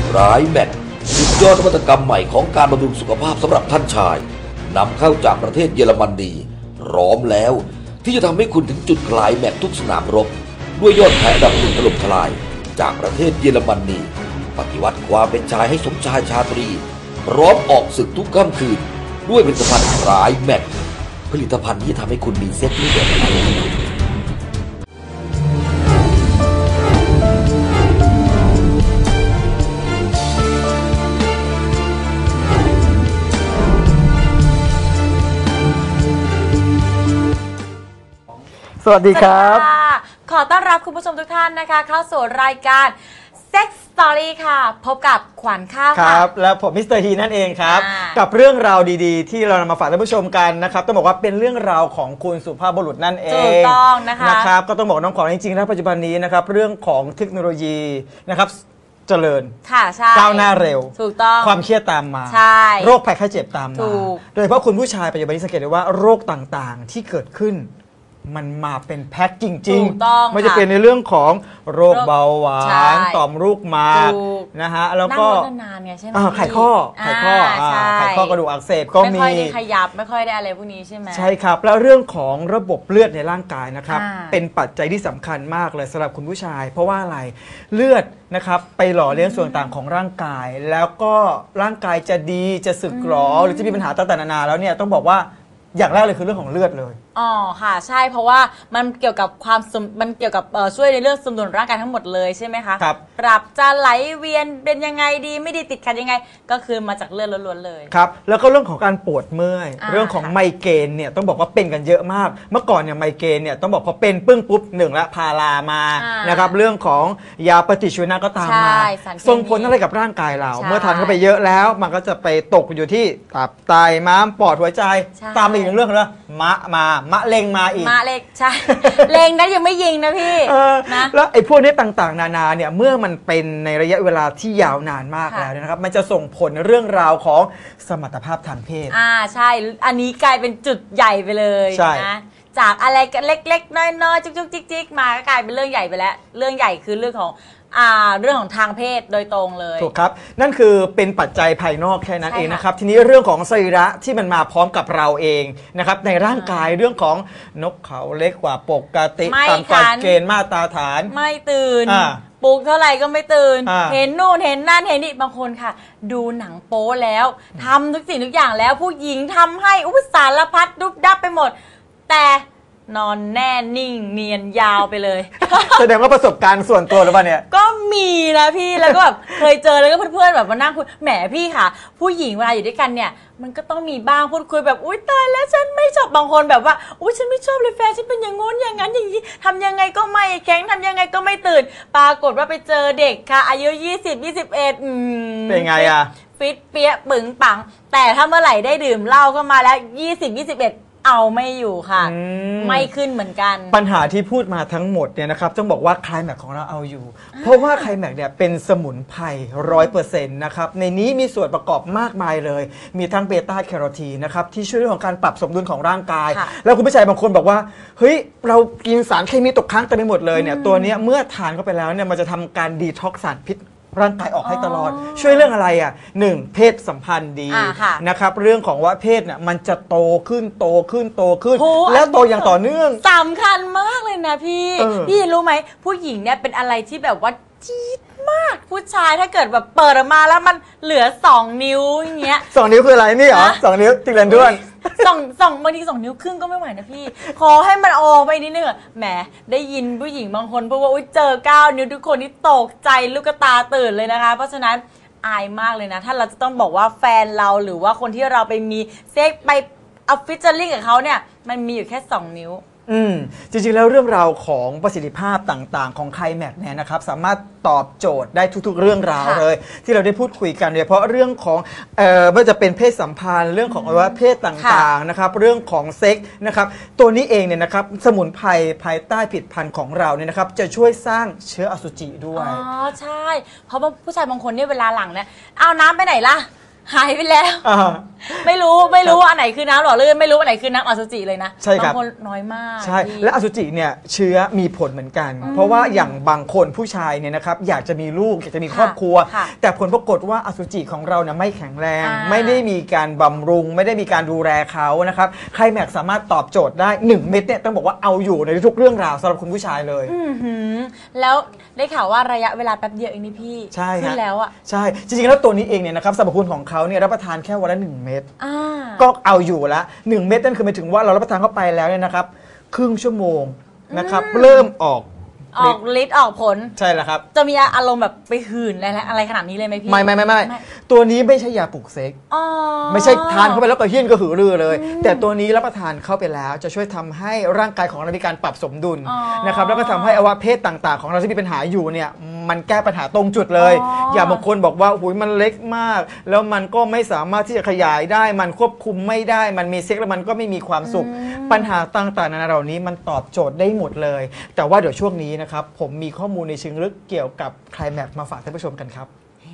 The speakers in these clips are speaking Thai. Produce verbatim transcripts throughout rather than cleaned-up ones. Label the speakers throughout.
Speaker 1: ร้ายแมทสุดยอดนวัตกรรมใหม่ของการบำรุงสุขภาพสำหรับท่านชายนำเข้าจากประเทศเยอรมนีพร้อมแล้วที่จะทำให้คุณถึงจุดคลายแมททุกสนามรบด้วยยอดขายอันดับหนึ่งถล่มทลายจากประเทศเยอรมนีปฏิวัติความเป็นชายให้สมชายชาตรีพร้อมออกศึกทุกค่ำคืนด้วยผลิตภัณฑ์ร้ายแมทผลิตภัณฑ์ที่ทำให้คุณมีเซ็กซ์แบบ
Speaker 2: สวัสดีครับ
Speaker 3: ขอต้อนรับคุณผู้ชมทุกท่านนะคะเข้าสู่รายการ Sex Story ค่ะพบกับขวัญข้าว
Speaker 2: ครับและผมมิสเตอร์ฮีนั่นเองครับกับเรื่องราวดีๆที่เรานำมาฝากท่านผู้ชมกันนะครับต้องบอกว่าเป็นเรื่องราวของคุณสุภาพบุรุษนั่นเอง
Speaker 3: ถูกต้องนะคะ
Speaker 2: นะครับก็ต้องบอกน้องขวัญจริงๆแล้วปัจจุบันนี้นะครับเรื่องของเทคโนโลยีนะครับเจริญ
Speaker 3: ค่ะใช่
Speaker 2: ก้าวหน้าเร็ว
Speaker 3: ถูกต้อง
Speaker 2: ความเครียดตามมา
Speaker 3: ใช่
Speaker 2: โรคภัยไข้เจ็บตามมาโดยเฉพาะคุณผู้ชายปัจจุบันนี้สังเกตได้ว่าโรคต่างๆที่เกิดขึ้นมันมาเป็นแพ็คจริงๆไม่จะเป็นในเรื่องของโรคเบาหวานต่อมลูกหมากนะฮะแล้วก็
Speaker 3: นานไงใช่ไหม
Speaker 2: ไขข้อไขข้อไขข้อกระดูกอักเสบก็มี
Speaker 3: ไม่ค่อยได้ขยับไม่ค่อยได้อะไรพวกนี้ใช่ไหม
Speaker 2: ใช่ครับแล้วเรื่องของระบบเลือดในร่างกายนะครับเป็นปัจจัยที่สำคัญมากเลยสำหรับคุณผู้ชายเพราะว่าอะไรเลือดนะครับไปหล่อเลี้ยงส่วนต่างของร่างกายแล้วก็ร่างกายจะดีจะสึกหรอหรือจะมีปัญหาต่างๆนานาแล้วเนี่ยต้องบอกว่าอย่างแรกเลยคือเรื่องของเลือดเลย
Speaker 3: อ๋อค่ะใช่เพราะว่ามันเกี่ยวกับความมันเกี่ยวกับช่วยในเรื่องสมดุลร่างกายทั้งหมดเลยใช่ไหมคะ
Speaker 2: ครับ
Speaker 3: ปรับจะไหลเวียนเป็นยังไงดีไม่ดีติดขัดยังไงก็คือมาจากเลือดล้วนๆเลย
Speaker 2: ครับแล้วก็เรื่องของการปวดเมื่อยเรื่องของไมเกรนเนี่ยต้องบอกว่าเป็นกันเยอะมากเมื่อก่อนเนี่ยไมเกรนเนี่ยต้องบอกพอเป็นปึ้งปุ๊บหนึ่งละพารามานะครับเรื่องของยาปฏิชีวนะก็ตามมาส่งผลอะไรกับร่างกายเราเมื่อทานเข้าไปเยอะแล้วมันก็จะไปตกอยู่ที่ตับไตม้ามปอดหัวใจตามไปอีกเรื่องเลยมะมามะเร็งมาอีก
Speaker 3: มะเร็งใช่เร็งนั้นยังไม่ยิงนะพี่
Speaker 2: นะแล้วไอ้พวกนี้ต่างๆนานาเนี่ยเมื่อมันเป็นในระยะเวลาที่ยาวนานมากแล้วนะครับมันจะส่งผลเรื่องราวของสมรรถภาพทางเพศ
Speaker 3: อ่าใช่อันนี้กลายเป็นจุดใหญ่ไปเลยนะจากอะไรเล็กๆน้อยๆจุกๆจิกๆมาก็กลายเป็นเรื่องใหญ่ไปแล้วเรื่องใหญ่คือเรื่องของอ่าเรื่องของทางเพศโดยตรงเลย
Speaker 2: ถูกครับนั่นคือเป็นปัจจัยภายนอกแค่นั้นเองนะครับทีนี้เรื่องของสรีระที่มันมาพร้อมกับเราเองนะครับในร่างกายเรื่องของนกเขาเล็กกว่าปกติตามกฎเกณฑ์มาตรฐาน
Speaker 3: ไม่ตื่นปลุกเท่าไหร่ก็ไม่ตื่นเห็นนู่นเห็นนั่นเห็นนี่บางคนค่ะดูหนังโป๊แล้วทำทุกสิ่งทุกอย่างแล้วผู้หญิงทำให้อุปสารพัดดุบดับไปหมดแต่นอนแน่นิ่งเนียนยาวไปเลย
Speaker 2: แสดงว่าประสบการณ์ส่วนตัวหรือเปล่าเนี่ย
Speaker 3: ก็มีนะพี่แล้วก็แบบเคยเจอแล้วก็เพื่อนๆแบบมานั่งคุยแหมพี่ค่ะผู้หญิงเวลาอยู่ด้วยกันเนี่ยมันก็ต้องมีบ้างพูดคุยแบบอุ๊ยตายแล้วฉันไม่ชอบบางคนแบบว่าอุ๊ยฉันไม่ชอบเลยแฟนฉันเป็นอย่างงู้นอย่างนั้นอย่างนี้ทำยังไงก็ไม่แข็งทำยังไงก็ไม่ตื่นปรากฏว่าไปเจอเด็กค่ะอายุยี่สิบ ยี่สิบเอ็ดอืม
Speaker 2: เป็นไงอะ
Speaker 3: ฟิตเปี้ยปึ๋งปังแต่ถ้าเมื่อไหร่ได้ดื่มเหล้าเข้ามาแล้วยี่สิบ ยี่สิบเอ็ดเอาไม่อยู่ค่ะไม่ขึ้นเหมือนกัน
Speaker 2: ปัญหาที่พูดมาทั้งหมดเนี่ยนะครับต้องบอกว่าไคลแม็กของเราเอาอยู่เพราะว่าไคลแม็กเนี่ยเป็นสมุนไพรร้อยเปอร์เซ็นต์นะครับในนี้มีส่วนประกอบมากมายเลยมีทั้งเบต้าแคโรทีนนะครับที่ช่วยเรื่องของการปรับสมดุลของร่างกายแล้วคุณผู้ชายบางคนบอกว่าเฮ้ยเรากินสารเคมีตกค้างเต็มไปหมดเลยเนี่ยตัวนี้เมื่อทานเข้าไปแล้วเนี่ยมันจะทำการดีท็อกซ์สารพิษร่างกายออกให้ตลอดช่วยเรื่องอะไรอ่ะหนึ่งเพศสัมพันธ์ดีนะครับเรื่องของว่าเพศเนี่ยมันจะโตขึ้นโตขึ้นโตขึ้นแล้วโตอย่างต่อเนื่อง
Speaker 3: สำคัญมากเลยนะพี่พี่รู้ไหมผู้หญิงเนี่ยเป็นอะไรที่แบบว่าจี๊ดมากผู้ชายถ้าเกิดแบบเปิดออกมาแล้วมันเหลือสองนิ้วอย่างเงี้ย
Speaker 2: สองนิ้วคืออะไรนี่เหรอสองนิ้วติดเลนด้วย
Speaker 3: สองสองบางทีสองนิ้วครึ่งก็ไม่ไหวนะพี่ขอให้มันออกไปนิดนึงแหมได้ยินผู้หญิงบางคนพูดว่าอุ้ยเจอเก้านิ้วทุกคนนี่ตกใจลูกตาตื่นเลยนะคะเพราะฉะนั้นอายมากเลยนะถ้าเราจะต้องบอกว่าแฟนเราหรือว่าคนที่เราไปมีเซ็กไปออฟฟิศเจอริ่งกับเขาเนี่ยมันมีอยู่แค่สองนิ้ว
Speaker 2: อืมจริงๆแล้วเรื่องราวของประสิทธิภาพต่างๆของไคลแม็กเนี่ยนะครับสามารถตอบโจทย์ได้ทุกๆเรื่องราวเลยที่เราได้พูดคุยกันโดยเฉพาะเรื่องของเอ่อไม่ว่าจะเป็นเพศสัมพันธ์เรื่องของอวัยวะเพศต่างๆนะครับเรื่องของเซ็กส์นะครับตัวนี้เองเนี่ยนะครับสมุนไพรภายใต้ผลิตภัณฑ์ของเราเนี่ยนะครับจะช่วยสร้างเชื้ออสุจิด้วย
Speaker 3: อ๋อใช่เพราะว่าผู้ชายบางคนเนี่ยเวลาหลังเนี่ยเอาน้ำไปไหนล่ะหายไปแล้วไม่รู้ไม่รู้ว่าอันไหนคือน้ำหล่อลื่นไม่รู้อันไหนคือน้ำอสุจิเลยนะ
Speaker 2: ใช่ครับ
Speaker 3: บางคนน้อยมาก
Speaker 2: ใช่และอสุจิเนี่ยเชื้อมีผลเหมือนกัน เพราะว่าอย่างบางคนผู้ชายเนี่ยนะครับอยากจะมีลูกอยากจะมีครอบครัว แต่ผลปรากฏว่าอสุจิของเราเนี่ยไม่แข็งแรง ไม่ได้มีการบำรุง ไม่ได้มีการดูแลเขานะครับไคลแม็กซ์สามารถตอบโจทย์ได้หนึ่งเม็ดเนี่ยต้องบอกว่าเอาอยู่ในทุกเรื่องราวสำหรับคุณผู้ชายเลย
Speaker 3: แล้วได้ข่าวว่าระยะเวลาแป๊บเดียวเองนี่พี่
Speaker 2: ใช่
Speaker 3: ขึ้นแล้วอ่ะ
Speaker 2: ใช่จริงๆแล้วตัวนี้เองเนี่ยนะครับสรรพคุณของเขาเนี่ยรับประทานแค่วันละหนึ่งเม็ดก็เอาอยู่ละหนึ่งเม็ดนั่นคือหมายถึงว่าเรารับประทานเข้าไปแล้วเนี่ยนะครับครึ่งชั่วโมงนะครับเริ่มออก
Speaker 3: ออกฤทธิ์ออกผล
Speaker 2: ใช่แล้วครับ
Speaker 3: จะมีอารมณ์แบบไปหื่นอะไรอะไรขนาดนี้เลยไหมพี่
Speaker 2: ไม่ไม่ไม่ไม่ตัวนี้ไม่ใช่ยาปลุกเซ็กไม่ใช่ทานเข้าไปแล้วก็เฮี้ยนก็หือรือเลยแต่ตัวนี้รับประทานเข้าไปแล้วจะช่วยทำให้ร่างกายของเรามีการปรับสมดุลนะครับแล้วก็ทำให้อวัยวะเพศต่างๆของเราที่มีปัญหาอยู่เนี่ยมันแก้ปัญหาตรงจุดเลยอย่าบางคนบอกว่าหุยมันเล็กมากแล้วมันก็ไม่สามารถที่จะขยายได้มันควบคุมไม่ได้มันมีเซ็กแล้วมันก็ไม่มีความสุขปัญหาต่างๆนานาเหล่านี้มันตอบโจทย์ได้หมดเลยแต่ว่าเดี๋ยวช่วงนี้นะครับผมมีข้อมูลในเชิงลึกเกี่ยวกับไคลแม็กซ์มาฝากท่านผู้ชมกันครับ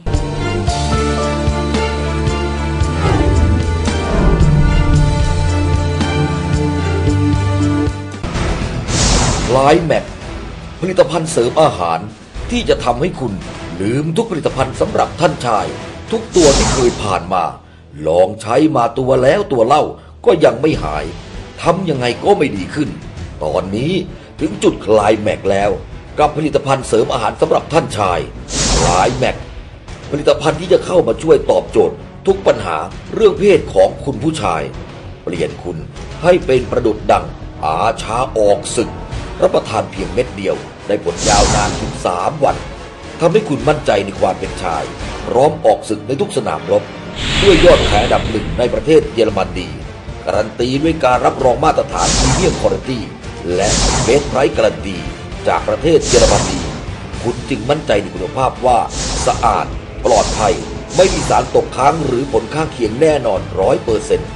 Speaker 1: ไคลแม็กซ์ผลิตภัณฑ์เสริมอาหารที่จะทำให้คุณลืมทุกผลิตภัณฑ์สำหรับท่านชายทุกตัวที่เคยผ่านมาลองใช้มาตัวแล้วตัวเล่าก็ยังไม่หายทำยังไงก็ไม่ดีขึ้นตอนนี้ถึงจุดไคลแม็กซ์แล้วกับผลิตภัณฑ์เสริมอาหารสำหรับท่านชายไคลแม็กซ์ผลิตภัณฑ์ที่จะเข้ามาช่วยตอบโจทย์ทุกปัญหาเรื่องเพศของคุณผู้ชายเปลี่ยนคุณให้เป็นประดุจดังอาชาออกศึกรับประทานเพียงเม็ดเดียวได้ผลยาวนานถึงสามวันทำให้คุณมั่นใจในความเป็นชายพร้อมออกศึกในทุกสนามรบด้วยยอดขายอันดับหนึ่งในประเทศเยอรมนีการันตีด้วยการรับรองมาตรฐานพรีเมียมควอลิตี้และเบสไพรซ์การันตีจากประเทศเยอรมนีคุณจึงมั่นใจในคุณภาพว่าสะอาดปลอดภัยไม่มีสารตกค้างหรือผลข้างเคียงแน่นอน ร้อยเปอร์เซ็นต์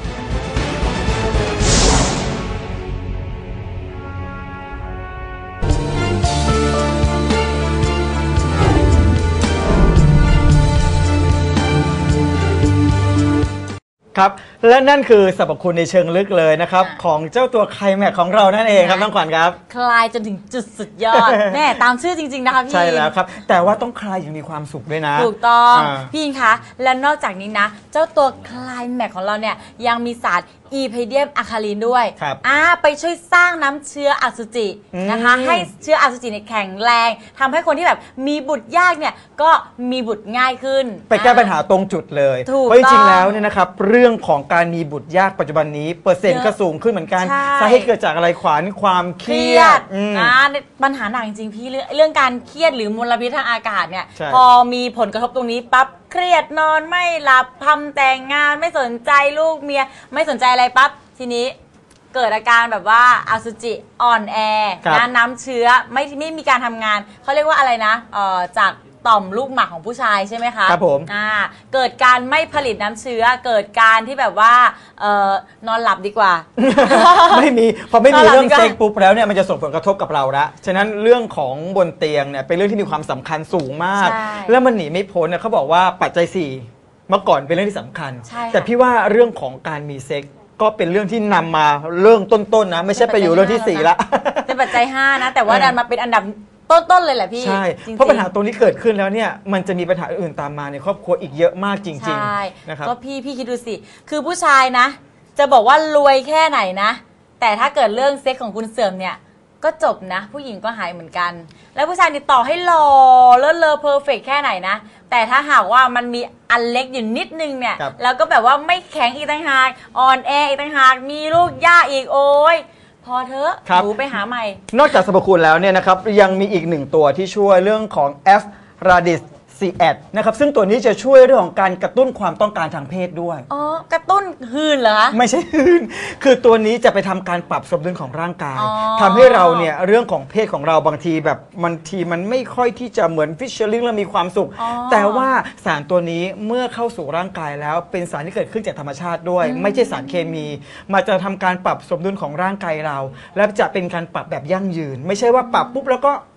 Speaker 2: ครับและนั่นคือสรรพคุณในเชิงลึกเลยนะครับของเจ้าตัวไคลแม็กซ์ของเรานั่นเองครับน้องขวัญครับ
Speaker 3: คลายจนถึงจุดสุดยอด แน่ตามชื่อจริงๆนะคะพี่
Speaker 2: ใช่แล้วครับแต่ว่าต้องคลายอย่างมีความสุขด้วยนะ
Speaker 3: ถูกต้องพี่ยิงคะและนอกจากนี้นะเจ้าตัวไคลแม็กซ์ของเราเนี่ยยังมีสารอีเพเดียมอะคาลินด้วยอ่าไปช่วยสร้างน้ำเชื้ออสุจินะคะให้เชื้ออสุจิเนี่ยแข็งแรงทำให้คนที่แบบมีบุตรยากเนี่ยก็มีบุตรง่ายขึ้น
Speaker 2: ไปแก้ปัญหาตรงจุดเลยเพราะจริงๆแล้วเนี่ยนะครับเรื่องของการมีบุตรยากปัจจุบันนี้เปอร์เซ็นต์ก็สูงขึ้นเหมือนกันสาเหตุเกิดจากอะไรขวัญความเครียด
Speaker 3: นะปัญหาหนักจริงๆพี่เรื่องการเครียดหรือมลพิษทางอากาศเนี่ยพอมีผลกระทบตรงนี้ปั๊บเครียดนอนไม่หลับทำแต่งงานไม่สนใจลูกเมียไม่สนใจอะไรปั๊บทีนี้เกิดอาการแบบว่าอสุจิอ่อนแอนะน้ำเชื้อไม่ไม่มีการทำงานเขาเรียกว่าอะไรนะเอ่อจากต่อมลูกหมากของผู้ชายใช่ไหมคะ
Speaker 2: ครับผม
Speaker 3: อ่าเกิดการไม่ผลิตน้ำเชื้อเกิดการที่แบบว่าเอ่อนอนหลับดีกว่า
Speaker 2: ไม่มีพอไม่มีเรื่องเซ็กปุ๊บแล้วเนี่ยมันจะส่งผลกระทบกับเราละฉะนั้นเรื่องของบนเตียงเนี่ยเป็นเรื่องที่มีความสำคัญสูงมากแล้วมันหนีไม่พ้นเนี่ยเขาบอกว่าปัจจัยสี่เมื่อก่อนเป็นเรื่องที่สำคัญแต่พี่ว่าเรื่องของการมีเซ็กก็เป็นเรื่องที่นำมาเรื่องต้นๆนะไม่ใช่ไปอยู่เรื่องที่สี่ละ
Speaker 3: เป็นปัจจัยห้านะแต่ว่าดันมาเป็นอันดับต้นๆเลยแหละพี่
Speaker 2: ใช่เพราะปัญหาตรงนี้เกิดขึ้นแล้วเนี่ยมันจะมีปัญหาอื่นตามมาในครอบครัวอีกเยอะมากจริงๆนะครับ
Speaker 3: ก็พี่พี่คิดดูสิคือผู้ชายนะจะบอกว่ารวยแค่ไหนนะแต่ถ้าเกิดเรื่องเซ็กของคุณเสื่อมเนี่ยก็จบนะผู้หญิงก็หายเหมือนกันแล้วผู้ชายติดต่อให้หล่อเลิศเลอเพอร์เฟกแค่ไหนนะแต่ถ้าหากว่ามันมีอันเล็กอยู่นิดนึงเนี่ยแล้วก็แบบว่าไม่แข็งอีกต่างหากอ่อนแออีกต่างหากมีลูกยากอีกโอ้ยพอเถอะหนูไปหาใหม่
Speaker 2: นอกจากสรรพคุณแล้วเนี่ยนะครับยังมีอีกหนึ่งตัวที่ช่วยเรื่องของ F Radix ซี แอด นะครับซึ่งตัวนี้จะช่วยเรื่องของการกระตุ้นความต้องการทางเพศด้วย
Speaker 3: อ๋อกระตุ้นหืนเหรอ
Speaker 2: ไม่ใช่หืนคือตัวนี้จะไปทำการปรับสมดุลของร่างกายทำให้เราเนี่ยเรื่องของเพศของเราบางทีแบบบางทีมันไม่ค่อยที่จะเหมือนฟิชเชอร์ลิงแล้วมีความสุขแต่ว่าสารตัวนี้เมื่อเข้าสู่ร่างกายแล้วเป็นสารที่เกิดขึ้นจากธรรมชาติด้วยไม่ใช่สารเคมีมาจะทำการปรับสมดุลของร่างกายเราและจะเป็นการปรับแบบยั่งยืนไม่ใช่ว่าปรับปุ๊บแล้วก็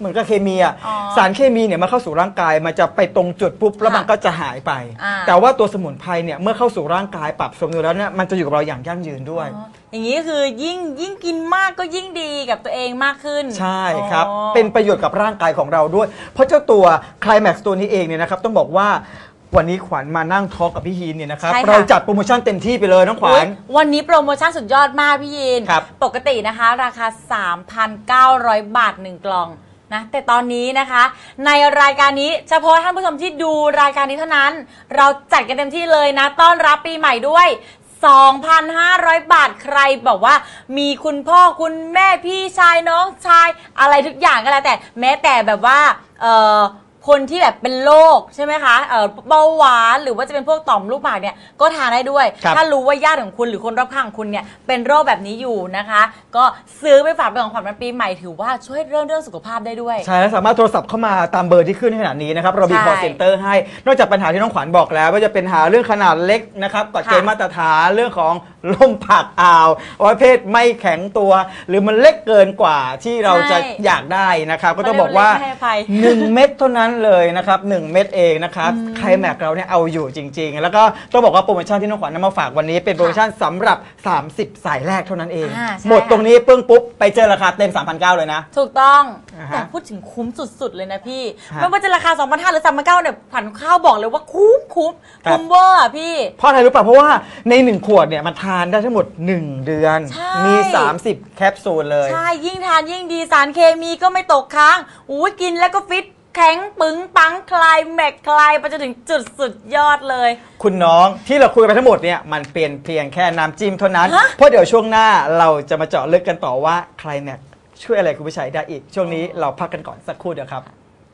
Speaker 2: เหมือนกับเคมีอ่ะ
Speaker 3: อ๋อ
Speaker 2: สารเคมีเนี่ยมาเข้าสู่ร่างกายมันจะไปตรงจุดปุ๊บแล้วมันก็จะหายไป
Speaker 3: อ่า
Speaker 2: แต่ว่าตัวสมุนไพรเนี่ยเมื่อเข้าสู่ร่างกายปรับสมดุลแล้วเนี่ยมันจะอยู่กับเราอย่างยั่งยืนด้วย
Speaker 3: อ๋ออย่างนี้ก็คือยิ่งยิ่งกินมากก็ยิ่งดีกับตัวเองมากขึ้น
Speaker 2: ใช่ครับ
Speaker 3: อ๋อ
Speaker 2: เป็นประโยชน์กับร่างกายของเราด้วย เพราะเจ้าตัวไคลแม็กซ์ตัวนี้เองเนี่ยนะครับต้องบอกว่าวันนี้ขวัญมานั่งทอล์กกับพี่ฮีนเนี่ยนะครับ
Speaker 3: ใช่ค่ะ
Speaker 2: เราจัดโปรโมชั่นเต็มที่ไปเลยน้องขวั
Speaker 3: อุ๊
Speaker 2: ญ
Speaker 3: ยวันนี้โปรโมชั่นสุดยอดมากพี่ยิน
Speaker 2: ครับ
Speaker 3: ปกตินะคะราคา สามพันเก้าร้อย บาทหนึ่งกล่องนะแต่ตอนนี้นะคะ ในรายการนี้เฉพาะท่านผู้ชมที่ดูรายการนี้เท่านั้น เราจัดกันเต็มที่เลยนะต้อนรับปีใหม่ด้วย สองพันห้าร้อย บาทใครบอกว่ามีคุณพ่อคุณแม่พี่ชายน้องชายอะไรทุกอย่างก็แล้วแต่แม้แต่แบบว่าเอ่อคนที่แบบเป็นโรคใช่ไหมคะเอ่อเบาหวานหรือว่าจะเป็นพวกต่อมลูกหมากเนี่ยก็ทานได้ด้วย
Speaker 2: ครับ
Speaker 3: ถ้ารู้ว่าญาติของคุณหรือคนรอบข้างของคุณเนี่ยเป็นโรคแบบนี้อยู่นะคะ ก็ซื้อไปฝากเป็นของขวัญวันปีใหม่ถือว่าช่วยเรื่องเรื่องสุขภาพได้ด้วย
Speaker 2: ใช่แล้วสามารถโทรศัพท์เข้ามาตามเบอร์ที่ขึ้นในขณะนี้นะครับเรามี
Speaker 3: ใช่
Speaker 2: call center ให้นอกจากปัญหาที่น้องขวัญบอกแล้วว่าจะเป็นหาเรื่องขนาดเล็กนะครับกฎเกณฑ์
Speaker 3: ค่ะ
Speaker 2: มาตรฐานเรื่องของลมผักอ่าวอวัยวะเพศไม่แข็งตัว หรือมันเล็กเกินกว่าที่เราจะ
Speaker 3: ใช่
Speaker 2: อยากได้นะครับก็ต้องบอกว่า
Speaker 3: ไม่ให้อภัย
Speaker 2: หนึ่งเม็ดเท่านั้นเลยนะครับหนึ่งเม็ดเองนะครับไคลแม็กเราเนี่ยเอาอยู่จริง ๆ แล้วก็ต้องบอกว่าโปรโมชั่นที่น้องขวัญนำมาฝากวันนี้เป็นโปรโมชั่นสำหรับสามสิบสายแรกเท่านั้นเอง
Speaker 3: อ่าใช่
Speaker 2: หมดตรงนี้ปึ้งปุ๊บไปเจอราคาเต็ม สามพันเก้าร้อย เลยนะ
Speaker 3: ถูกต้อง
Speaker 2: อ่าฮะ
Speaker 3: แต่พูดถึงคุ้มสุดๆเลยนะพี่
Speaker 2: ฮะ
Speaker 3: ไม่ว่าจะราคา สองพันห้าร้อย หรือ สามพันเก้าร้อย เนี่ยขวัญข้าวบอกเลยว่าคุ้มคุ้ม
Speaker 2: ครับ
Speaker 3: คุ้มเวอร์อะพี่
Speaker 2: เพราะอะไรรู้ป่ะเพราะว่าในหนึ่งขวดเนี่ยมันทานได้ทั้งหมดหนึ่งเดือน
Speaker 3: ใช่
Speaker 2: มีสามสิบแคปซูลเลย
Speaker 3: ใช่ ยิ่งทานยิ่งดีสารเคมีก็ไม่ตกค้างอุ้ยกินแล้วก็ฟิตแข็งปึงปังคลายแม็กคลายไปจนถึงจุดสุดยอดเลย
Speaker 2: คุณน้องที่เราคุยไปทั้งหมดเนี่ยมันเป็นเพียงแค่น้ำจิ้มเท่านั้น
Speaker 3: ฮะ
Speaker 2: เพราะเดี๋ยวช่วงหน้าเราจะมาเจาะลึกกันต่อว่าไคลแม็กช่วยอะไรคุณผู้ชายได้อีก ช่วงนี้เราพักกันก่อนสักครู่เดียวครับ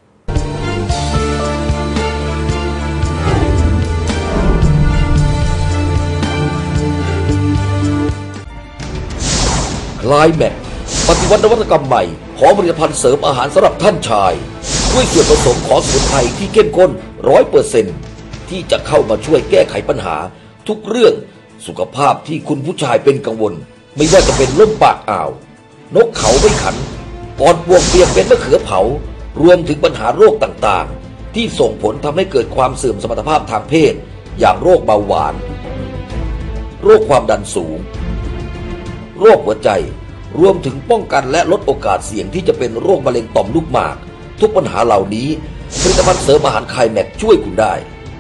Speaker 1: คลายแม็กปฏิวัตินวัตกรรมใหม่ของผลิตภัณฑ์เสริมอาหารสำหรับท่านชาย ด้วยส่วนผสมของสมุนไพรที่เข้มข้นร้อยเปอร์เซ็นต์ที่จะเข้ามาช่วยแก้ไขปัญหา ทุกเรื่องสุขภาพที่คุณผู้ชายเป็นกังวล ไม่ว่าจะเป็นลมปากอ่าว นกเขาไม่ขันปอดบวกเปียกเป็นมะเขือเผารวมถึงปัญหาโรคต่างๆ ที่ส่งผลทำให้เกิดความเสื่อมสมรรถภาพทางเพศ อย่างโรคเบาหวาน โรคความดันสูง โรคหัวใจ รวมถึงป้องกันและลดโอกาสเสี่ยงที่จะเป็นโรคมะเร็งต่อมลูกหมาก ทุกปัญหาเหล่านี้ผลิตภัณฑ์เสริมอาหารไคลแม็กช่วยคุณได้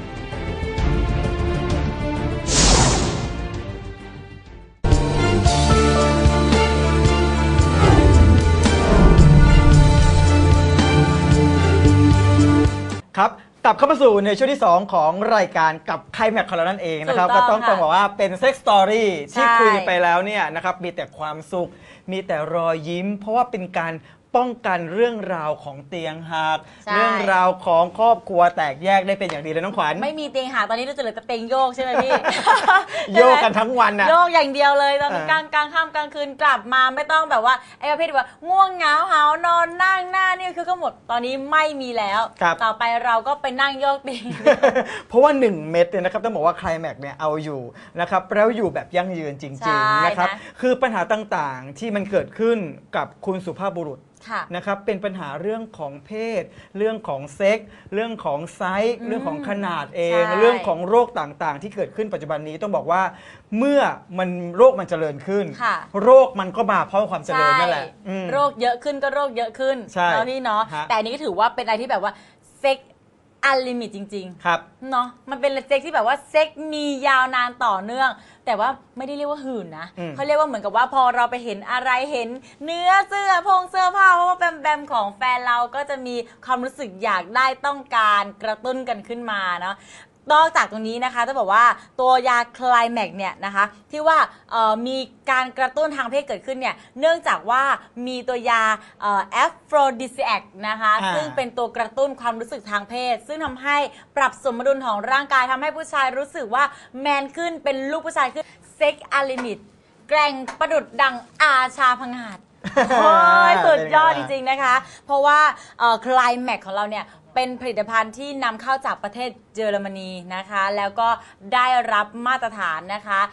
Speaker 2: ครับกลับเข้ามาสู่ในช่วงที่ สอง ของรายการกับไคลแม็กของเรานั่นเองนะครับ
Speaker 3: ถู
Speaker 2: ก็
Speaker 3: กต้
Speaker 2: ต้
Speaker 3: อ
Speaker 2: อง ง
Speaker 3: ค่ะ
Speaker 2: ต้องบอกว่าเป็นเซ็กส์สตอรี่ที่
Speaker 3: ใช่
Speaker 2: คุยกันไปแล้วเนี่ยนะครับมีแต่ความสุข มีแต่รอยยิ้ม เพราะว่าเป็นการป้องกันเรื่องราวของเตียงหัก
Speaker 3: ใช่
Speaker 2: เรื่องราวของครอบครัวแตกแยกได้เป็นอย่างดีเลยน้องขวัญ
Speaker 3: ไม่มีเตียงหาตอนนี้เราจะเหลือแต่เตียงโยกใช่ไหมพี่
Speaker 2: โยกกันทั้งวันน่ะ
Speaker 3: โยกอย่างเดียวเลยตอน
Speaker 2: เออก
Speaker 3: ลางกลางค่ำกลางคืนกลับมาไม่ต้องแบบว่าไอ้ประเภทที่ว่าง่วงเหงาหาวนอนนั่งหน้านี่คือก็หมดตอนนี้ไม่มีแล้ว
Speaker 2: ครับ
Speaker 3: ต่อไปเราก็ไปนั่งโยกเตียง
Speaker 2: เพราะว่าหนึ่งเม็ดเนี่ยนะครับต้องบอกว่าไคลแม็กเนี่ยเอาอยู่นะครับแล้วอยู่แบบยั่งยืนจ
Speaker 3: ใช่
Speaker 2: ริงๆนะครับ
Speaker 3: นะ
Speaker 2: คือปัญหาต่างๆที่มันเกิดขึ้นกับคุณสุภาพบุรุษ
Speaker 3: ค่ะ
Speaker 2: นะครับเป็นปัญหาเรื่องของเพศ เรื่องของเซ็กส์เรื่องของไซส์
Speaker 3: อืม
Speaker 2: เรื่องของขนาดเอง
Speaker 3: ใช่
Speaker 2: เรื่องของโรคต่างๆ ที่เกิดขึ้นปัจจุบันนี้ต้องบอกว่าเมื่อมันโรคมันเจริญขึ้น
Speaker 3: ค่ะ
Speaker 2: โรคมันก็มาเพราะความเจริญนั่นแหละอืม
Speaker 3: โรคเยอะขึ้นก็โรคเยอะขึ้น
Speaker 2: ใช่
Speaker 3: เนาะพี่เนาะ
Speaker 2: ฮะ
Speaker 3: แต่อันนี้ก็ถือว่าเป็นอะไรที่แบบว่าเซ็กอันลิมิตจริง ๆ
Speaker 2: ครับ
Speaker 3: เนาะมันเป็นเซ็กที่แบบว่าเซ็กมียาวนานต่อเนื่อง แต่ว่าไม่ได้เรียกว่าหื่นนะ
Speaker 2: อืม
Speaker 3: เขาเรียกว่าเหมือนกับว่าพอเราไปเห็นอะไรเห็นเนื้อเสื้อพงเสื้อผ้าเพราะว่าแบมแบมของแฟนเราก็จะมีความรู้สึกอยากได้ต้องการกระตุ้นกันขึ้นมาเนาะนอกจากตรงนี้นะคะต้องบอกว่าตัวยาคลายแม็กเนี่ยนะคะที่ว่าเอ่อมีการกระตุ้นทางเพศเกิดขึ้นเนี่ยเนื่องจากว่ามีตัวยาแอฟโรดิซิแอคนะคะ
Speaker 2: อ่า
Speaker 3: ซึ่งเป็นตัวกระตุ้นความรู้สึกทางเพศ ซึ่งทำให้ปรับสมดุลของร่างกายทำให้ผู้ชายรู้สึกว่าแมนขึ้นเป็นลูกผู้ชายขึ้นเซ็กอะลิมิตแกร่งประดุดดังอาชาพงาด โอ้ยสุดยอดจริงๆนะคะ เพราะว่าคลายแม็กของเราเนี่ยเป็นผลิตภัณฑ์ที่นำเข้าจากประเทศเยอรมนีนะคะ แล้วก็ได้รับมาตรฐานนะคะ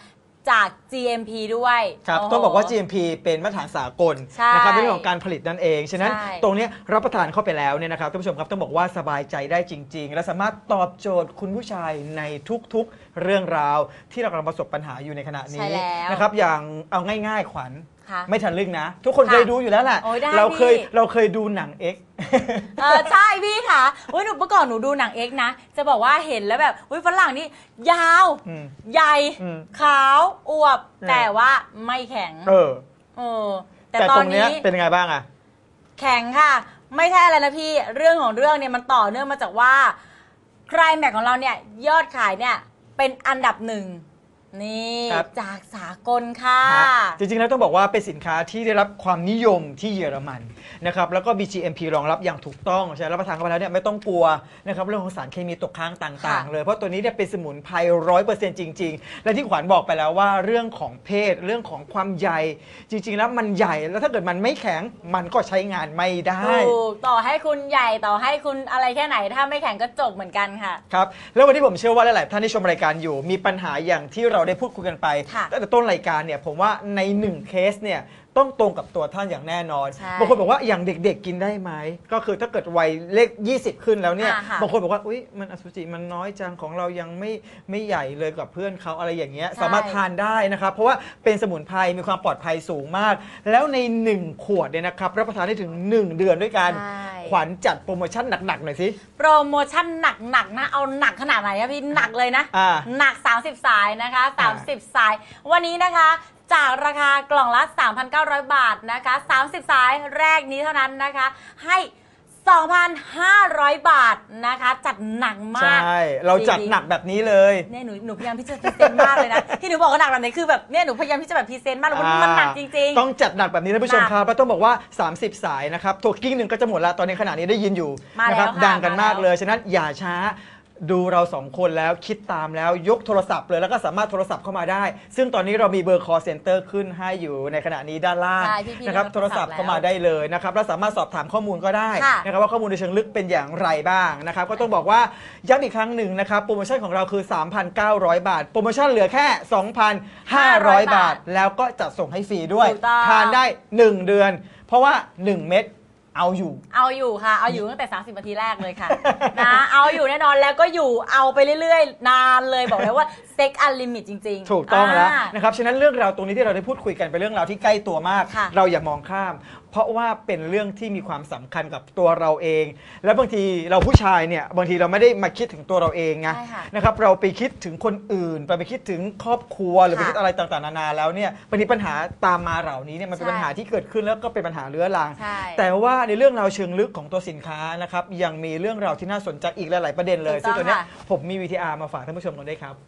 Speaker 3: จาก จี เอ็ม พี ด้วย
Speaker 2: ครับต้องบอกว่า จี เอ็ม พี เป็นมาตรฐานสากลนะครับในเรื่องของการผลิตนั่นเองฉะนั้นตรงนี้รับประทานเข้าไปแล้วเนี่ยนะครับท่านผู้ชมครับต้องบอกว่าสบายใจได้จริงๆและสามารถตอบโจทย์คุณผู้ชายในทุกๆเรื่องราวที่เรากำลังประสบปัญหาอยู่ในขณะนี้นะครับอย่างเอาง่ายๆขวัญไม่ทันลึกนะทุกคนเคยดูอยู่แล้วแหละเราเคยเราเคยดูหนัง X
Speaker 3: เออใช่พี่ค่ะเฮ้ยหนูเมื่อก่อนหนูดูหนัง X นะจะบอกว่าเห็นแล้วแบบเฮ้ยฝรั่งนี่ยาวใหญ่ขาวอวบแต่ว่าไม่แข็งเออเออแต่ตอนนี้
Speaker 2: เป็นยังไงบ้างอะ
Speaker 3: แข็งค่ะไม่ใช่อะไรนะพี่เรื่องของเรื่องเนี่ยมันต่อเนื่องมาจากว่าไคลแม็กของเราเนี่ยยอดขายเนี่ยเป็นอันดับหนึ่งนี่จากสากลค่ะ
Speaker 2: จริงๆแล้วต้องบอกว่าเป็นสินค้าที่ได้รับความนิยมที่เยอรมันนะครับแล้วก็ บี จี เอ็ม พี รองรับอย่างถูกต้องใช่รับประทานเข้าไปแล้วเนี่ยไม่ต้องกลัวนะครับเรื่องของสารเคมีตกค้างต่างๆเลยเพราะตัวนี้เนี่ยเป็นสมุนไพรร้อยเปอร์เซ็นต์จริงๆและที่ขวัญบอกไปแล้วว่าเรื่องของเพศเรื่องของความใหญ่จริงๆแล้วมันใหญ่แล้วถ้าเกิดมันไม่แข็งมันก็ใช้งานไม่ได้
Speaker 3: ถูกต่อให้คุณใหญ่ต่อให้คุณอะไรแค่ไหนถ้าไม่แข็งก็จบเหมือนกันค่ะ
Speaker 2: ครับแล้ววันนี้ผมเชื่อว่าหลายๆท่านที่ชมรายการอยู่มีปัญหาอย่างที่เราได้พูดคุยกันไปตั้งแต่ต้นรายการเนี่ยผมว่าในหนึ่งเคสเนี่ยต้องตรงกับตัวท่านอย่างแน่นอนบางคนบอกว่าอย่างเด็กๆกินได้ไหมก็คือถ้าเกิดวัยเลขยี่สิบขึ้นแล้วเนี่ยบางคนบอกว่าอุ๊ยมันอสุจิมันน้อยจังของเรายังไม่ไม่ใหญ่เลยกับเพื่อนเขาอะไรอย่างเงี้ยสามารถทานได้นะครับเพราะว่าเป็นสมุนไพรมีความปลอดภัยสูงมากแล้วในหนึ่งขวดเนี่ยนะครับรับประทานได้ถึงหนึ่งเดือนด้วยกันขวัญจัดโปรโมชั่นหนักๆหน่อยสิ
Speaker 3: โปรโมชั่นหนักๆนะเอาหนักขนาดไหนอะพี่หนักเลยนะหนักสามสิบสายนะคะสามสิบสายวันนี้นะคะจากราคากล่องละ สามพันเก้าร้อย บาทนะคะสามสิบสายแรกนี้เท่านั้นนะคะให้ สองพันห้าร้อย บาทนะคะจัดหนักมาก
Speaker 2: ใช่เราจัดหนักแบบนี้เลย
Speaker 3: เนี่ยหนูหนูพยายามที่จะพรีเซนต์มากเลยนะที่หนูบอกว่าหนักแบบไหนคือแบบเนี่ยหนูพยายามที่จะแบบพรีเซนต์มากแล้วมันหนักจริง
Speaker 2: ๆต้องจัดหนักแบบนี้ท่านผู้ชมครับแล้วต้องบอกว่าสามสิบสายนะครับโทรกิ้งหนึ่งก็จะหมดละตอนนี้ขณะนี้ได้ยินอยู่นะครับดังกันมากเลยฉะนั้นอย่าช้าดูเราสองคนแล้วคิดตามแล้วยกโทรศัพท์เลยแล้วก็สามารถโทรศัพท์เข้ามาได้ซึ่งตอนนี้เรามีเบอร์ call center ขึ้นให้อยู่ในขณะนี้ด้านล่างนะครับโทรศัพท์เข้ามาได้เลยนะครับแล้วสามารถสอบถามข้อมูลก็ได้นะครับว่าข้อมูลในเชิงลึกเป็นอย่างไรบ้างนะครับก็ต้องบอกว่าย้ำอีกครั้งหนึ่งนะครับโปรโมชั่นของเราคือ สามพันเก้าร้อย บาทโปรโมชั่นเหลือแค่ สองพันห้าร้อย บาทแล้วก็จัดส่งให้ฟรีด้วยทานได้หนึ่งเดือนเพราะว่าหนึ่งเม็ดเอาอยู่
Speaker 3: เอาอยู่ค่ะเอาอยู่ตั้งแต่สามสิบนาทีแรกเลยค่ะนะเอาอยู่แน่นอนแล้วก็อยู่เอาไปเรื่อยๆนานเลยบอกเลยว่าเซ็กอันลิมิตจริง
Speaker 2: ๆถูกต้องแล้วนะครับฉะนั้นเรื่องราวตรงนี้ที่เราได้พูดคุยกันเป็นเรื่องราวที่ใกล้ตัวมากเราอย่ามองข้ามเพราะว่าเป็นเรื่องที่มีความสำคัญกับตัวเราเองและบางทีเราผู้ชายเนี่ยบางทีเราไม่ได้มาคิดถึงตัวเราเองไงนะครับเราไปคิดถึงคนอื่นไปไปคิดถึงครอบครัวหรือไปคิดอะไรต่างๆนานาแล้วเนี่ยบางทีปัญหาตามมาเหล่านี้เนี่ยมันเป็นปัญหาที่เกิดขึ้นแล้วก็เป็นปัญหาเรื้อรังแต่ว่าในเรื่องราวเชิงลึกของตัวสินค้านะครับยังมีเรื่องราวที่น่าสนใจอีกหลายๆประเด็นเลยซึ่งตัวนี้ผมมี วี ที อาร์ มาฝากท่านผู้ชมกันด้วยครับ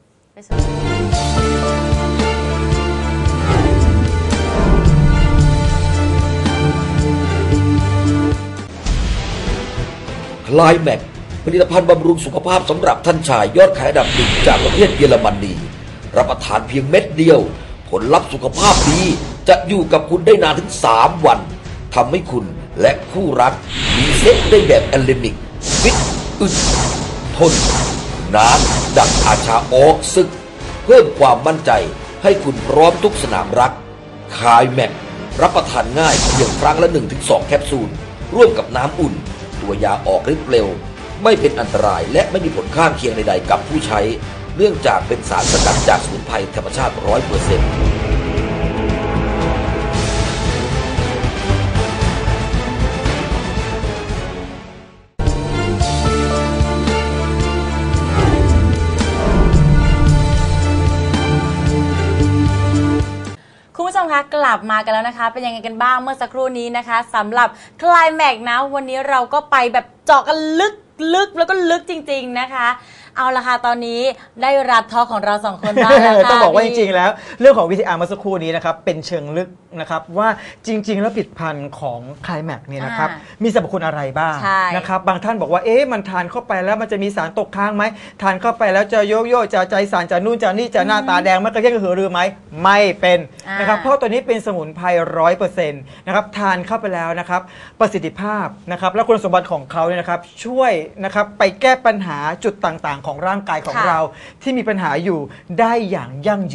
Speaker 1: คลายแม็กผลิตภัณฑ์บำรุงสุขภาพสำหรับท่านชายยอดขายอันดับหนึ่งจากประเทศเยอรมนีรับประทานเพียงเม็ดเดียวผลลัพธ์สุขภาพดีจะอยู่กับคุณได้นานถึงสามวันทำให้คุณและคู่รักมีเซ็กได้แบบแอลเลมิกฟิตอึดทนนานดังอาชาออกศึกเพิ่มความมั่นใจให้คุณพร้อมทุกสนามรักคลายแม็กรับประทานง่ายเพียงครั้งละ หนึ่งถึงสอง แคปซูลร่วมกับน้ำอุ่นตัวยาออกฤทธิ์เร็วไม่เป็นอันตรายและไม่มีผลข้างเคียงใดๆกับผู้ใช้เนื่องจากเป็นสารสกัดจากสมุนไพรธรรมชาติ ร้อยเปอร์เซ็นต์
Speaker 3: คุณผู้ชมคะกลับมากันแล้วนะคะเป็นยังไงกันบ้างเมื่อสักครู่นี้นะคะสำหรับคลายแม็กนะวันนี้เราก็ไปแบบเจาะกันลึกลึกแล้วก็ลึกจริงๆนะคะเอาละค่ะตอนนี้ได้รับทอของเราสองคนบ้างแล้วค่ะ
Speaker 2: ต้องบอกว่าจริงๆแล้วเรื่องของ วี ที อาร์ เมื่อสักครู่นี้นะครับเป็นเชิงลึกนะครับว่าจริงๆแล้วผลิตภัณฑ์ของคลายแม็กเนี่ยนะครับมีสรรพคุณอะไรบ้างนะครับบางท่านบอกว่าเอ๊ะมันทานเข้าไปแล้วมันจะมีสารตกค้างไหมทานเข้าไปแล้วจะโยโย่จะใจสั่นจะนู่นจะนี่จะหน้าตาแดงมันกระเทียมกระหือรือไหมไม่เป็นนะครับเพราะตัวนี้เป็นสมุนไพรร้อยเปอร์เซ็นต์นะครับทานเข้าไปแล้วนะครับประสิทธิภาพนะครับและคุณสมบัติของเขาเนี่ยนะครับช่วยนะครับไปแก้ปัญหาจุดต่างๆของร่างกายของเราที่มีปัญหาอยู่ได้อย่างยั่งยืน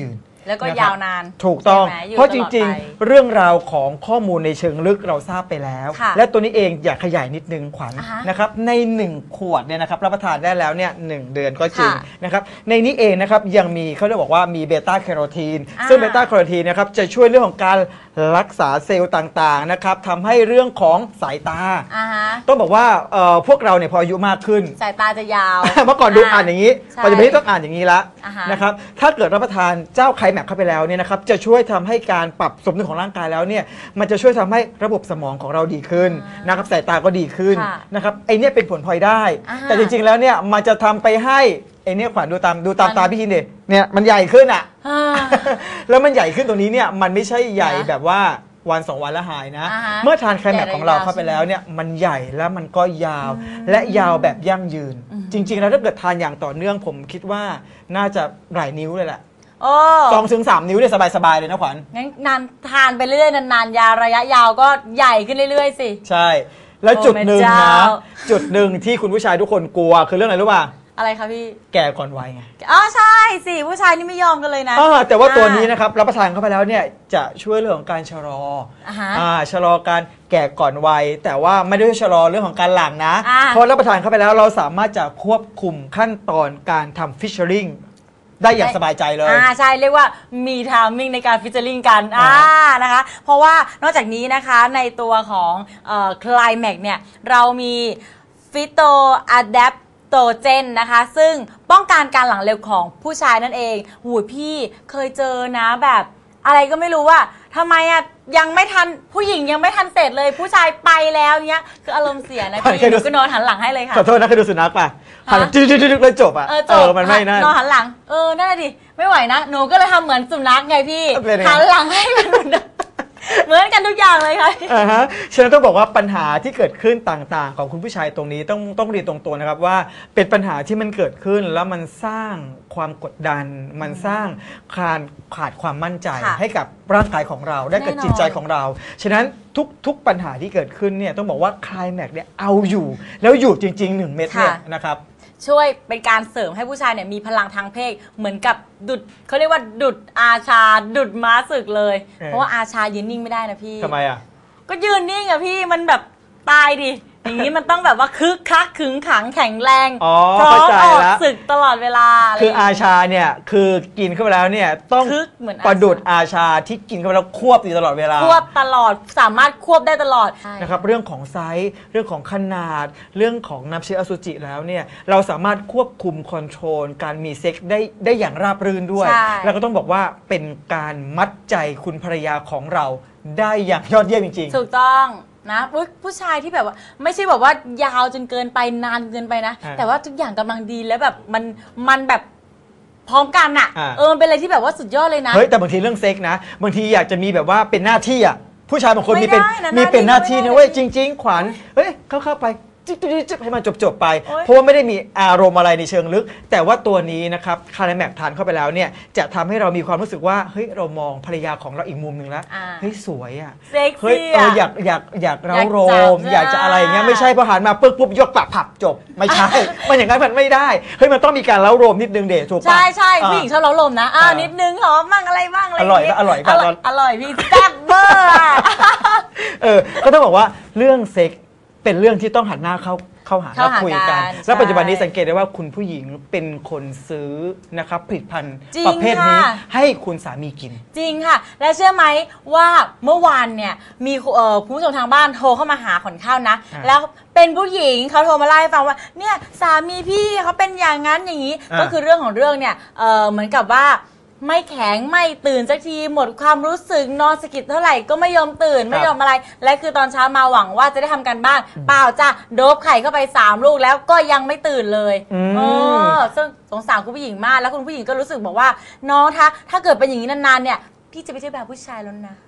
Speaker 3: แล้วก็
Speaker 2: นะครับ
Speaker 3: ยาวนาน
Speaker 2: ถูกต้อง
Speaker 3: ใช่ไหมอยู่
Speaker 2: เพราะจ
Speaker 3: ตลอด
Speaker 2: ริง
Speaker 3: ไป
Speaker 2: ๆ เรื่องราวของข้อมูลในเชิงลึกเราทราบไปแล้ว
Speaker 3: ค่ะ
Speaker 2: และตัวนี้เองอยากขยายนิดนึงขวัญ
Speaker 3: อ่าฮะ
Speaker 2: นะครับในหนึ่งขวดเนี่ยนะครับรับประทานได้แล้วเนี่ยหนึ่งเดือนก็จริง
Speaker 3: ค่ะ
Speaker 2: นะครับในนี้เองนะครับยังมีเขาเรียกบอกว่ามีเบต้าแคโรทีน
Speaker 3: อ่า
Speaker 2: ซึ่งเบต้าแคโรทีนนะครับจะช่วยเรื่องของการรักษาเซลล์ต่างๆนะครับทำให้เรื่องของสายตา
Speaker 3: อ่าฮะ
Speaker 2: ต้องบอกว่าเอ่อพวกเราเนี่ยพออายุมากขึ้น
Speaker 3: สายตาจะยาว
Speaker 2: เมื่อก่อนดูอ่านอย่างนี้
Speaker 3: ใช่
Speaker 2: ปัจจุบันนี้ต้องอ่านอย่างนี้ละ
Speaker 3: อ่าฮะ
Speaker 2: นะครับถ้าเกิดรับประทานเจ้าไคแม็กเข้าไปแล้วเนี่ยนะครับจะช่วยทำให้การปรับสมดุลของร่างกายแล้วเนี่ยมันจะช่วยทำให้ระบบสมองของเราดีขึ้นนะครับสายตาก็ดีขึ้น
Speaker 3: ค่ะ
Speaker 2: นะครับไอเนี่ยเป็นผลพลอยได้
Speaker 3: อ่าฮะ
Speaker 2: แต่จริงๆแล้วเนี่ยมันจะทำไปให้ไอเนี่ยขวัญดูตามดูตาม
Speaker 3: มัน
Speaker 2: ตาพี่คินดิเนี่ยมันใหญ่ขึ้นอ่ะ
Speaker 3: อ่า
Speaker 2: แล้วมันใหญ่ขึ้นตรงนี้เนี่ยมันไม่ใช่ใหญ่
Speaker 3: นะ
Speaker 2: แบบว่าวันสองวันแล้วหายนะ
Speaker 3: อ่าฮะ
Speaker 2: เมื่อทานไคแม็ก
Speaker 3: ใหญ่
Speaker 2: ของเรา
Speaker 3: ยาว
Speaker 2: เข้าไปแล้วเนี่ยมันใหญ่แล้วมันก็ยาวและยาวแบบยั่งยืน จริง ๆ แล้วถ้าเกิดทานอย่างต่อเนื่องผมคิดว่าน่าจะหลายนิ้วเลยแหละ
Speaker 3: โอ้
Speaker 2: สองถึงสามนิ้วเนี่ยสบาย ๆ เลยนะขวัญ
Speaker 3: งั้นนานทานไปเรื่อยนานๆยาวระยะยาวก็ใหญ่ขึ้นเรื่อยๆสิ
Speaker 2: ใช่ แล้ว
Speaker 3: โอ้
Speaker 2: จุดหนึ่ง
Speaker 3: แม่
Speaker 2: นะ
Speaker 3: เจ้า
Speaker 2: จุดหนึ่งที่คุณผู้ชายทุกคนกลัวคือเรื่องอะไรรู้ป่ะ
Speaker 3: อะไรคะพี่
Speaker 2: แก่ก่อนวัยไง
Speaker 3: อ๋อใช่สิผู้ชายนี่ไม่ยอมกันเลยนะ
Speaker 2: อ่าแต่ว่าตัวนี้นะครับรับประทานเข้าไปแล้วเนี่ยจะช่วยเรื่องของการชะลออา
Speaker 3: ฮะ
Speaker 2: อ่าชะลอการแก่ก่อนวัยแต่ว่าไม่ได้ชะลอเรื่องของการหลั่งนะ
Speaker 3: อ่า
Speaker 2: เพราะรับประทานเข้าไปแล้วเราสามารถจะควบคุมขั้นตอนการทำฟิชเชอริงได้อย่างสบายใจเลย
Speaker 3: อ่าใช่เรียกว่ามีทามมิ่งในการฟิชเจอริงกันอ่า
Speaker 2: อ่า
Speaker 3: นะคะ เพราะว่านอกจากนี้นะคะในตัวของคลายแม็กเนี่ยเรามีฟิโตอะแดปโตเจนนะคะ ซึ่งป้องกันการหลังเร็วของผู้ชายนั่นเองหูยพี่เคยเจอนะแบบอะไรก็ไม่รู้ว่าทำไมอ่ะยังไม่ทันผู้หญิงยังไม่ทันเสร็จเลยผู้ชายไปแล้วเนี้ยคืออารมณ์เสียนะพี่
Speaker 2: เคย
Speaker 3: ห
Speaker 2: ดู
Speaker 3: นูก็นอนหันหลังให้เลยค่ะ
Speaker 2: ขอโทษนะเคยดูสุนัขป่ะหัน
Speaker 3: ฮะ
Speaker 2: จืดๆๆแล้วจบอ่ะ
Speaker 3: เออจบ
Speaker 2: มันไม่นั่น
Speaker 3: นอนหันหลังเออนั่นแหละดิไม่ไหวนะหนูก็เลยทำเหมือนสุนัขไงพี่
Speaker 2: เป็นไง
Speaker 3: หันหลังให้มันเหมือนเดิมเหมือนกันทุกอย่างเลยค่ะ
Speaker 2: อ่าฮะฉะนั้นต้องบอกว่าปัญหาที่เกิดขึ้นต่างๆ ของคุณผู้ชายตรงนี้ต้องต้องเรียนตรงตัวนะครับว่าเป็นปัญหาที่มันเกิดขึ้นแล้วมันสร้างความกดดัน มันสร้างขาดขาดความมั่นใจ
Speaker 3: ค่ะ
Speaker 2: ให้กับร่างกายของเราได้กับ
Speaker 3: แน่นอน
Speaker 2: จิตใจของเรา ฉะนั้นทุกทุกปัญหาที่เกิดขึ้นเนี่ยต้องบอกว่าคลายแม็กเนี่ยเอาอยู่ แล้วอยู่จริงๆหนึ่งเม็ดเนี่ยนะครับ
Speaker 3: ช่วยเป็นการเสริมให้ผู้ชายเนี่ยมีพลังทางเพศเหมือนกับดุดเขาเรียกว่าดุดอาชา ดุดม้าศึกเลย
Speaker 2: เออ
Speaker 3: เพราะว่าอาชายืนนิ่งไม่ได้นะพี่
Speaker 2: ทำไมอ่ะ
Speaker 3: ก็ยืนนิ่งอะพี่มันแบบตายดิอย่างนี้มันต้องแบบว่าคึกคักขึงขังแข็งแรง
Speaker 2: อ๋อ
Speaker 3: พร้อม
Speaker 2: เข้าใจ
Speaker 3: ออก
Speaker 2: ละ
Speaker 3: ศึกตลอดเวลาะไร
Speaker 2: คืออา
Speaker 3: ย่งเงี้ย
Speaker 2: ชาเนี่ยคือกินเข้าไปแล้วเนี่ยต้อง
Speaker 3: คึกเหมือนอาชา
Speaker 2: ประดุดอาชาที่กินเข้าไปแล้วควบอยู่ตลอดเวลา
Speaker 3: ควบตลอดสามารถควบได้ตลอด
Speaker 2: นะครับเรื่องของไซส์เรื่องของขนาด เรื่องของน้ำเชื้ออสุจิแล้วเนี่ยเราสามารถควบคุมคอนโทรลการมีเซ็กซ์ได้ได้อย่างราบรื่นด้วย
Speaker 3: ใช่
Speaker 2: แล้วก็ต้องบอกว่าเป็นการมัดใจคุณภรรยาของเราได้อย่างยอดเยี่ยมจริง
Speaker 3: ถูกต้องนะอุ๊ยผู้ชายที่แบบว่าไม่ใช่แบบว่ายาวจนเกินไปนานเกินไปนะ
Speaker 2: อ่า
Speaker 3: แต่ว่าทุกอย่างกำลังดีแล้วแบบมันมันแบบพร้อมกันอะ
Speaker 2: อ่า
Speaker 3: เออมันเป็นอะไรที่แบบว่าสุดยอดเลยนะ
Speaker 2: ๆเฮ้ยแต่บางทีเรื่องเซ็กส์นะบางทีอยากจะมีแบบว่าเป็นหน้าที่อ่ะผู้ชายบางคนมีเป็น
Speaker 3: ไม่ได้นะ
Speaker 2: มีเป็นหน้าที่
Speaker 3: หน้าที่
Speaker 2: นะเว้ย
Speaker 3: ไม่
Speaker 2: จ
Speaker 3: ได้
Speaker 2: ริง ๆ ขวัญเฮ้ยเข้าเข้าไปจิ๊บจิ๊บจิ๊บให้มันจบๆไป
Speaker 3: โอ๊ย
Speaker 2: เพราะว่าไม่ได้มีอารมณ์อะไรในเชิงลึก แต่ว่าตัวนี้นะครับคาราแมกทานเข้าไปแล้วเนี่ยจะทำให้เรามีความรู้สึกว่าเฮ้ยเรามองภรรยาของเราอีกมุมหนึ่งแล้ว
Speaker 3: อ่า
Speaker 2: เฮ้ยสวยอ่ะ
Speaker 3: เซ็ก
Speaker 2: เฮ้ย
Speaker 3: ซี่
Speaker 2: เออ
Speaker 3: อะ
Speaker 2: อยากอยากอยากเร้าโร
Speaker 3: อยากจับ
Speaker 2: มอยากจะอะไรอย่างเงี้ย
Speaker 3: อ่า
Speaker 2: ไม่ใช่พอหันมาปึ๊บปุ๊บยกปากผับจบไม่ใช่ มันอย่างนั้นมันไม่ได้เฮ้ยมันต้องมีการเร้าโรมนิดนึงเดชถูกปะ
Speaker 3: ใช่ใช่
Speaker 2: อ่า
Speaker 3: ผู้หญิงชอบเล้าลมนะอ่า
Speaker 2: อ่านิ
Speaker 3: นิดนึงหอมบ้างอะไรบ้างอะไร
Speaker 2: อร่อย
Speaker 3: างงี้
Speaker 2: ปะอร่อยปะ
Speaker 3: ร่อยอร่อยพี่แซ่บเบอร์อะ
Speaker 2: เออก็ต้องบอกว่าเรื่องเซ็กส์เป็นเรื่องที่ต้องหันหน้าเข้าเข้าหา
Speaker 3: เข้า
Speaker 2: แล้ว
Speaker 3: หา
Speaker 2: คุยกัน
Speaker 3: กัน
Speaker 2: แล้วปัจจุบันนี้
Speaker 3: ใช่
Speaker 2: สังเกตได้ว่าคุณผู้หญิงเป็นคนซื้อนะครับผลิตภัณฑ์
Speaker 3: จริง
Speaker 2: ประเภทนี้
Speaker 3: ค่ะ
Speaker 2: ให้คุณสามีกิน
Speaker 3: จริงค่ะ และเชื่อไหมว่าเมื่อวานเนี่ยมีเอ่อผู้ชมทางบ้านโทรเข้ามาหาขอนข้าวนะ
Speaker 2: อ่า
Speaker 3: แล้วเป็นผู้หญิงเขาโทรมาเล่าให้ฟังว่าเนี่ยสามีพี่เขาเป็นอย่างนั้นอย่างนี้
Speaker 2: อ่า
Speaker 3: ก็คือเรื่องของเรื่องเนี่ยเอ่อเหมือนกับว่าไม่แข็งไม่ตื่นสักทีหมดความรู้สึกนอนสะกิดเท่าไหร่ก็ไม่ยอมตื่นไม่ยอมอะไร และคือตอนเช้ามาหวังว่าจะได้ทำการบ้านเปล่าจ้ะโดบไข่เข้าไปสามลูกแล้วก็ยังไม่ตื่นเลย
Speaker 2: อืม
Speaker 3: เออซึ่งสงสารคุณผู้หญิงมากแล้วคุณผู้หญิงก็รู้สึกบอกว่าน้องถ้าถ้าเกิดเป็นอย่างนี้นานๆเนี่ยพี่จะไปเที่ยวแบบผู้ชายแล้วนะ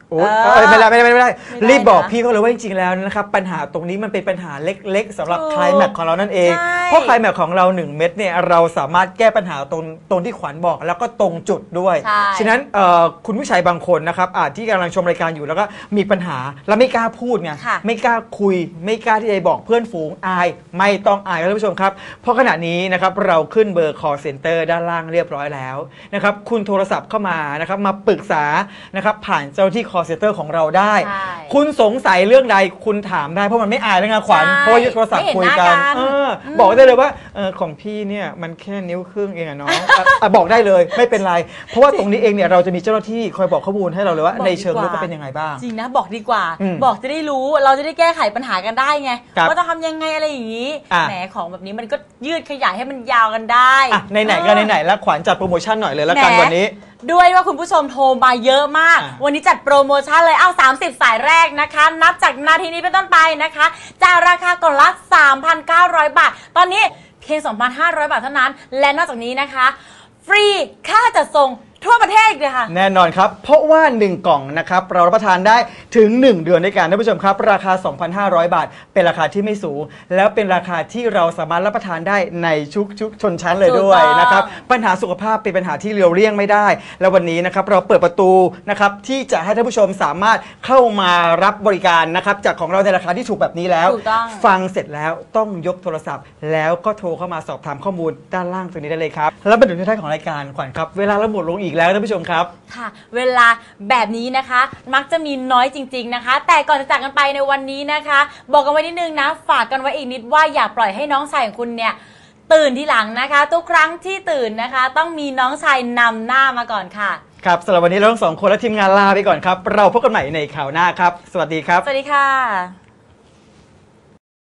Speaker 2: โอ้ย
Speaker 3: เออ
Speaker 2: ไม่ได้ไม่ได้ไม่ได้
Speaker 3: ไม่ได้
Speaker 2: รีบบอก
Speaker 3: นะ
Speaker 2: พี่เขาเลยว่าจริงๆแล้วนะครับปัญหาตรงนี้มันเป็นปัญหาเล็กๆสำหรับ
Speaker 3: ถูก
Speaker 2: ไคลแม็กซ์ของเรานั่นเอง
Speaker 3: ใช่
Speaker 2: เพราะไคลแม็กซ์ของเราหนึ่งเม็ดเนี่ยเราสามารถแก้ปัญหาตรงตรงที่ขวัญบอกแล้วก็ตรงจุดด้วย
Speaker 3: ใช่
Speaker 2: ฉะนั้นเอ่อคุณผู้ชายบางคนนะครับอาจที่กำลังชมรายการอยู่แล้วก็มีปัญหาแล้วไม่กล้าพูดไง
Speaker 3: ค่ะ
Speaker 2: ไม่กล้าคุย ไม่กล้าที่จะบอกเพื่อนฝูงอายไม่ต้องอายครับท่านผู้ชมครับเพราะขณะนี้นะครับเราขึ้นเบอร์ call center ด้านล่างเรียบร้อยแล้วนะครับคุณโทรศัพท์เข้ามานะครับมาปรึกษานะครับผ่านเจ้าหน้าที่ call center ของเราได้
Speaker 3: ใช่
Speaker 2: คุณสงสัยเรื่องใดคุณถามได้เพราะมันไม่อายแล้วไงขวัญ
Speaker 3: ใช่
Speaker 2: เพราะว่ายึดโทรศัพท์คุยกัน
Speaker 3: ไม่เห็นหน้ากัน
Speaker 2: เออบอกได้เลยว่าเออของพี่เนี่ยมันแค่นิ้วครึ่งเองอะน้องอ่ะอ่ะบอกได้เลยไม่เป็นไร เพราะว่าตรงนี้เองเนี่ยเราจะมีเจ้าหน้าที่คอยบอกข้อมูลให้เราเลยว่า
Speaker 3: บอก
Speaker 2: ใน
Speaker 3: ดี
Speaker 2: เชิงลึก
Speaker 3: กว่า
Speaker 2: ก็เป็นยังไงบ้าง
Speaker 3: จริงนะบอกดีกว่า
Speaker 2: อืม
Speaker 3: บอกจะได้รู้เราจะได้แก้ไขปัญหากันได้ไง
Speaker 2: ครับ
Speaker 3: ว่าจะทำยังไงอะไรอย่างนี้
Speaker 2: อ่ะ
Speaker 3: แหมของแบบนี้มันก็ยืดขยายให้มันยาวกันได้
Speaker 2: อ่ะไหนๆก็ไหนๆแล้วขวัญจัดโปรโมชั่นหน่อยเลยแล้วกัน
Speaker 3: แหม
Speaker 2: วันนี้
Speaker 3: ด้วยว่าคุณผู้ชมโทรมาเยอะมาก
Speaker 2: อ่ะ
Speaker 3: วันนี้จัดโปรโมชั่นเลยเอาสามสิบสายแรกนะคะ นับจากนาทีนี้เป็นต้นไปนะคะจากราคากล่องละ สามพันเก้าร้อย บาท ตอนนี้เพียง สองพันห้าร้อย บาทเท่านั้น และนอกจากนี้นะคะ ฟรีค่าจัดส่งทั่วประเทศอีกเลยค่ะ
Speaker 2: แน่นอนครับ เพราะว่า หนึ่ง กล่องนะครับเรารับประทานได้ถึง หนึ่ง เดือนด้วยกันท่านผู้ชมครับ ราคา สองพันห้าร้อย บาท เป็นราคาที่ไม่สูง แล้วเป็นราคาที่เราสามารถรับประทานได้ในชุกชุกชนชั้นเลยด้วย
Speaker 3: ถูกต้อง
Speaker 2: นะครับปัญหาสุขภาพเป็นปัญหาที่เลียวเลี่ยงไม่ได้ แล้ววันนี้นะครับเราเปิดประตูนะครับที่จะให้ท่านผู้ชมสามารถเข้ามารับบริการนะครับจากของเราในราคาที่ถูกแบบนี้แล้ว
Speaker 3: ถูกต้อง
Speaker 2: ฟังเสร็จแล้วต้องยกโทรศัพท์ แล้วก็โทรเข้ามาสอบถามข้อมูลด้านล่างตรงนี้ได้เลยครับแล้วมาถึงที่ท้ายของรายการขวัญครับเวลาเราหมดลงอีกแล้วท่านผู้ชมครับ
Speaker 3: ค่ะเวลาแบบนี้นะคะมักจะมีน้อยจริงๆนะคะ แต่ก่อนจะจากกันไปในวันนี้นะคะ บอกกันไว้นิดนึงนะฝากกันไว้อีกนิดว่าอย่าปล่อยให้น้องชายของคุณเนี่ยตื่นทีหลังนะคะ ทุกครั้งที่ตื่นนะคะ ต้องมีน้องชายนำหน้ามาก่อนค่ะ
Speaker 2: ครับสำหรับวันนี้เราทั้งสองคนและทีมงานลาไปก่อนครับ เราพบกันใหม่ในข่าวหน้าครับ สวัสดีครับ
Speaker 3: สวัสดีค่ะ